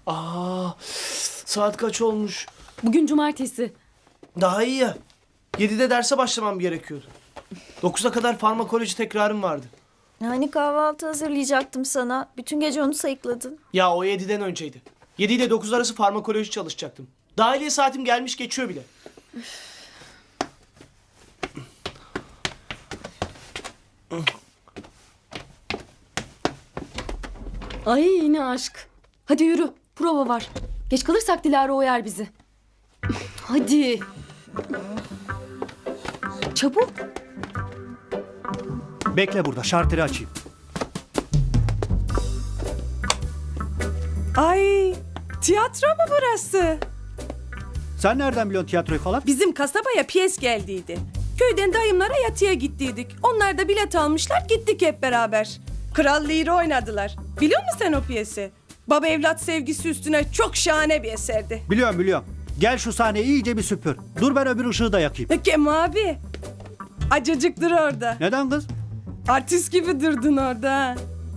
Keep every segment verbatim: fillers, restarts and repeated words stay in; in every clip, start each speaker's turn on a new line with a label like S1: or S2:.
S1: Aa, saat kaç olmuş?
S2: Bugün cumartesi.
S1: Daha iyi ya. yedide derse başlamam gerekiyordu. dokuza kadar farmakoloji tekrarım vardı.
S3: Yani kahvaltı hazırlayacaktım sana. Bütün gece onu sayıkladın.
S1: Ya o yediden önceydi. yedi ile dokuz arası farmakoloji çalışacaktım. Dahiliye saatim gelmiş geçiyor bile.
S2: Ay yine aşk. Hadi yürü. Prova var. Geç kalırsak Dilara oyar bizi. Hadi. Çabuk.
S4: Bekle burada, şarteri açayım.
S5: Ay, tiyatro mu burası?
S4: Sen nereden biliyorsun tiyatroyu falan?
S5: Bizim kasabaya piyes geldiydi. Köyden dayımlara yatıya gittiydik. Onlar da bilet almışlar, gittik hep beraber. Kral Lear'ı oynadılar. Biliyor musun sen o piyesi? Baba evlat sevgisi üstüne çok şahane bir eserdi.
S4: Biliyorum biliyorum. Gel şu sahneyi iyice bir süpür. Dur ben öbür ışığı da yakayım.
S5: Kem abi, acıcık dur orada.
S4: Neden kız?
S5: Artist gibi durdun orada. ha.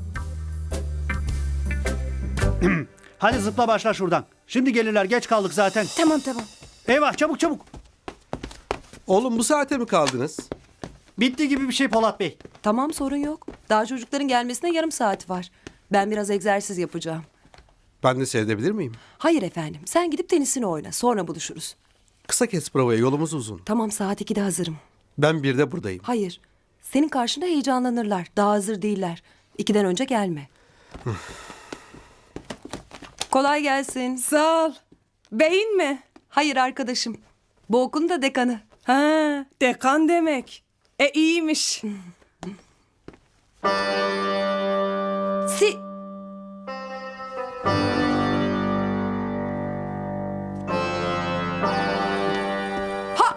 S4: Hadi zıpla başla şuradan. Şimdi gelirler, geç kaldık zaten.
S5: Tamam tamam.
S4: Eyvah, çabuk çabuk.
S6: Oğlum bu saate mi kaldınız?
S4: Bitti gibi bir şey Polat Bey.
S7: Tamam sorun yok. Daha çocukların gelmesine yarım saat var. Ben biraz egzersiz yapacağım.
S6: Ben de seyredebilir miyim?
S7: Hayır efendim. Sen gidip tenisini oyna. Sonra buluşuruz.
S6: Kısa kes provaya, yolumuz uzun.
S7: Tamam saat ikide hazırım.
S6: Ben birde buradayım.
S7: Hayır. Senin karşında heyecanlanırlar. Daha hazır değiller. İkiden önce gelme. Kolay gelsin.
S5: Sağ ol. Beyin mi?
S7: Hayır arkadaşım. Bu okulun da dekanı.
S5: Ha, dekan demek. E iyiymiş.
S7: Si... Ha!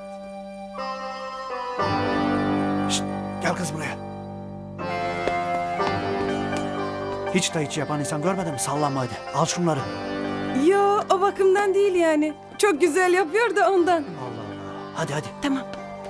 S4: Şşt, gel kız buraya. Hiç de hiç yapan insan görmedin mi? Sallanma hadi. Al şunları.
S5: Yo, o bakımdan değil yani. Çok güzel yapıyor da ondan.
S4: Allah Allah. Hadi hadi.
S5: Tamam.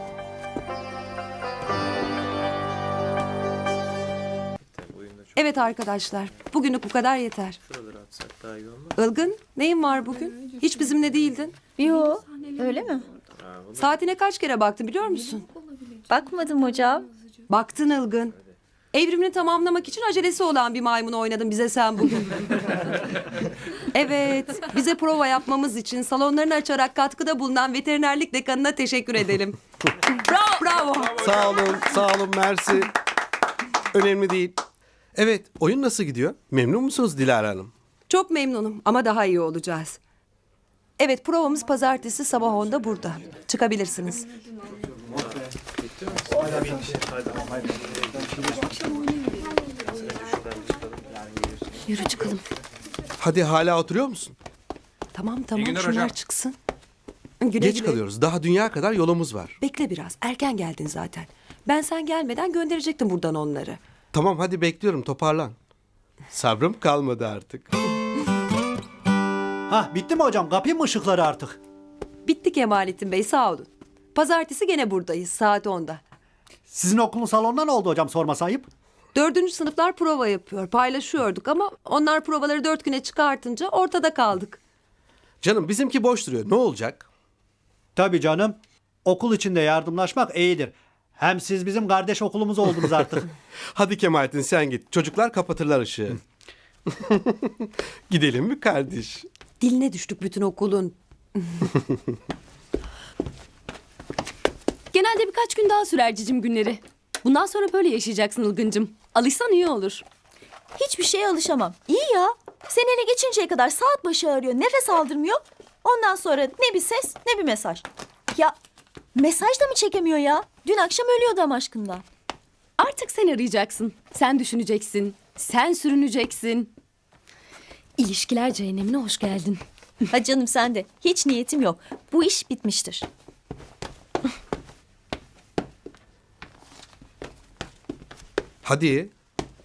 S7: Evet arkadaşlar. Bugünlük bu kadar yeter. Ilgın, neyin var bugün? Hiç bizimle değildin.
S3: Yo, öyle mi?
S7: Saatine kaç kere baktın biliyor musun?
S3: Bakmadım hocam.
S7: Baktın Ilgın. Evrimini tamamlamak için acelesi olan bir maymun oynadın bize sen bugün. Evet, bize prova yapmamız için salonlarını açarak katkıda bulunan veterinerlik dekanına teşekkür edelim. Bravo, bravo.
S6: Sağ olun, sağ olun, mersi. Önemli değil. Evet, oyun nasıl gidiyor? Memnun musunuz Dilara Hanım?
S7: Çok memnunum ama daha iyi olacağız. Evet, provamız pazartesi sabah onda burada. Çıkabilirsiniz.
S2: Yürü çıkalım.
S6: Hadi hala oturuyor musun?
S7: Tamam tamam şunlar çıksın. Güle
S6: Geç
S7: güle.
S6: kalıyoruz. Daha dünya kadar yolumuz var.
S7: Bekle biraz. Erken geldin zaten. Ben sen gelmeden gönderecektim buradan onları.
S6: Tamam hadi bekliyorum, toparlan. Sabrım kalmadı artık.
S4: Hah, bitti mi hocam? Kapayım mı ışıkları artık?
S7: Bitti Kemalettin Bey sağ olun. Pazartesi gene buradayız saat onda.
S4: Sizin okulun salonunda ne oldu hocam, sorması ayıp?
S7: Dördüncü sınıflar prova yapıyor. Paylaşıyorduk ama onlar provaları dört güne çıkartınca ortada kaldık.
S6: Canım bizimki boş duruyor. Ne olacak?
S4: Tabii canım. Okul içinde yardımlaşmak iyidir. Hem siz bizim kardeş okulumuz oldunuz artık.
S6: Hadi Kemalettin sen git. Çocuklar kapatırlar ışığı. Gidelim mi kardeş?
S7: Diline düştük bütün okulun.
S2: Genelde birkaç gün daha sürer cicim günleri. Bundan sonra böyle yaşayacaksın Ilgıncım. Alışsan iyi olur.
S3: Hiçbir şeye alışamam. İyi ya. Sen ele geçinceye kadar saat başı arıyor, nefes aldırmıyor. Ondan sonra ne bir ses ne bir mesaj. Ya mesaj da mı çekemiyor ya? Dün akşam ölüyordu ama aşkından.
S2: Artık sen arayacaksın. Sen düşüneceksin. Sen sürüneceksin. İlişkiler cehennemine hoş geldin.
S3: Ha canım sen de. Hiç niyetim yok. Bu iş bitmiştir.
S6: Hadi.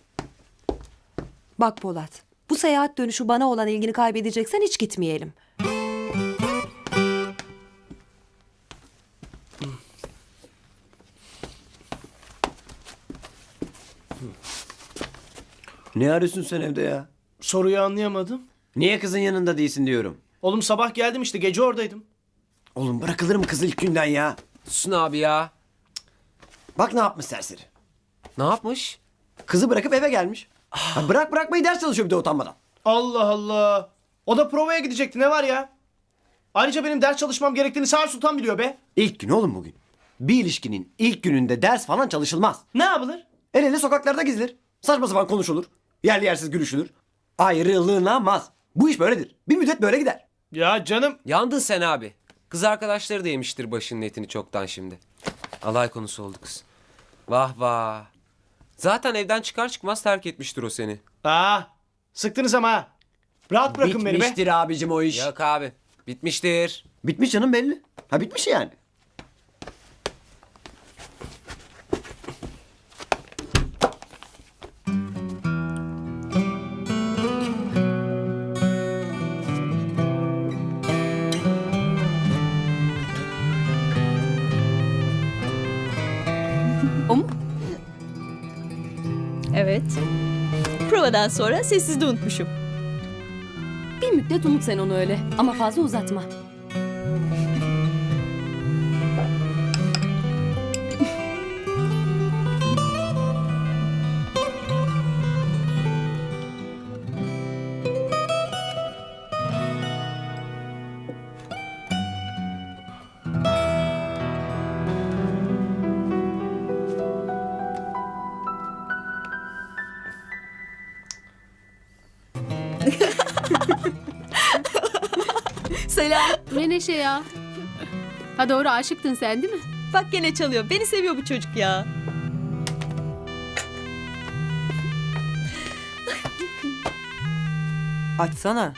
S7: Bak Polat, bu seyahat dönüşü bana olan ilgini kaybedeceksen hiç gitmeyelim.
S8: Ne arıyorsun sen evde ya?
S1: Soruyu anlayamadım.
S8: Niye kızın yanında değilsin diyorum.
S1: Oğlum sabah geldim işte gece oradaydım.
S8: Oğlum bırakılır mı kız ilk günden ya?
S9: Susun abi ya.
S8: Bak ne yapmış serseri.
S9: Ne yapmış?
S8: Kızı bırakıp eve gelmiş. Ha, bırak bırakmayı ders çalışıyor bir de utanmadan.
S1: Allah Allah. O da provaya gidecekti ne var ya? Ayrıca benim ders çalışmam gerektiğini Sağır Sultan biliyor be.
S8: İlk gün oğlum bugün. Bir ilişkinin ilk gününde ders falan çalışılmaz.
S1: Ne yapılır?
S8: El ele sokaklarda gezilir. Saçma sapan konuşulur. Yerli yersiz gülüşülür. Ayrılınamaz. Bu iş böyledir. Bir müddet böyle gider.
S1: Ya canım.
S9: Yandın sen abi. Kız arkadaşları da yemiştir başının etini çoktan şimdi. Alay konusu oldu kız. Vah vah. Zaten evden çıkar çıkmaz terk etmiştir o seni.
S1: Aa, sıktınız ama ha. Rahat bırakın beni be.
S8: Bitmiştir abicim o iş.
S9: Yok abi. Bitmiştir.
S8: Bitmiş canım belli. Ha bitmiş yani.
S2: O mu?
S3: Evet. Provadan sonra sessizde unutmuşum.
S2: Bir müddet unut sen onu öyle. Ama fazla uzatma.
S3: Selam.
S10: Ne neşe ya. Ha doğru aşıktın sen değil mi?
S3: Bak gene çalıyor. Beni seviyor bu çocuk ya.
S7: Açsana.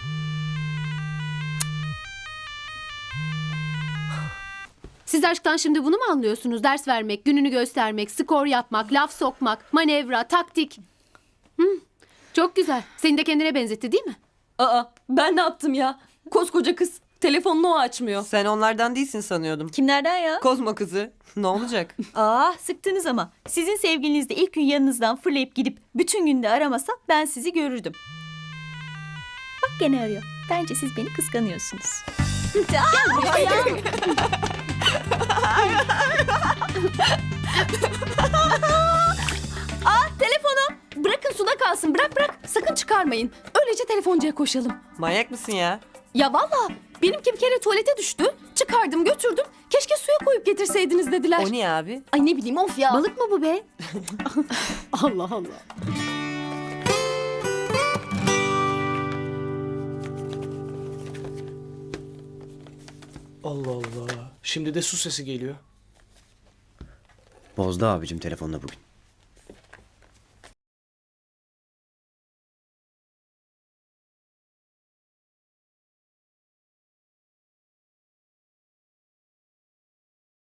S10: Siz aşktan şimdi bunu mu anlıyorsunuz? Ders vermek, gününü göstermek, skor yapmak, laf sokmak, manevra, taktik. Hı, çok güzel. Seni de kendine benzetti değil mi?
S2: Aa, ben ne yaptım ya? Koskoca kız. Telefonunu o açmıyor.
S7: Sen onlardan değilsin sanıyordum.
S3: Kimlerden ya?
S7: Kozma kızı. Ne olacak?
S3: Aa, sıktınız ama. Sizin sevgiliniz de ilk gün yanınızdan fırlayıp gidip bütün günde aramasa ben sizi görürdüm. Bak gene arıyor. Bence siz beni kıskanıyorsunuz.
S2: Aa, telefonum. Bırakın suda kalsın. Bırak bırak. Sakın çıkarmayın. Öylece telefoncuya koşalım.
S7: Manyak mısın ya?
S2: Ya valla benimki bir kere tuvalete düştü. Çıkardım götürdüm. Keşke suya koyup getirseydiniz dediler.
S7: O niye abi?
S2: Ay ne bileyim of ya.
S10: Balık mı bu be? Allah Allah.
S1: Allah Allah. Şimdi de su sesi geliyor.
S8: Bozdu abicim telefonla bugün.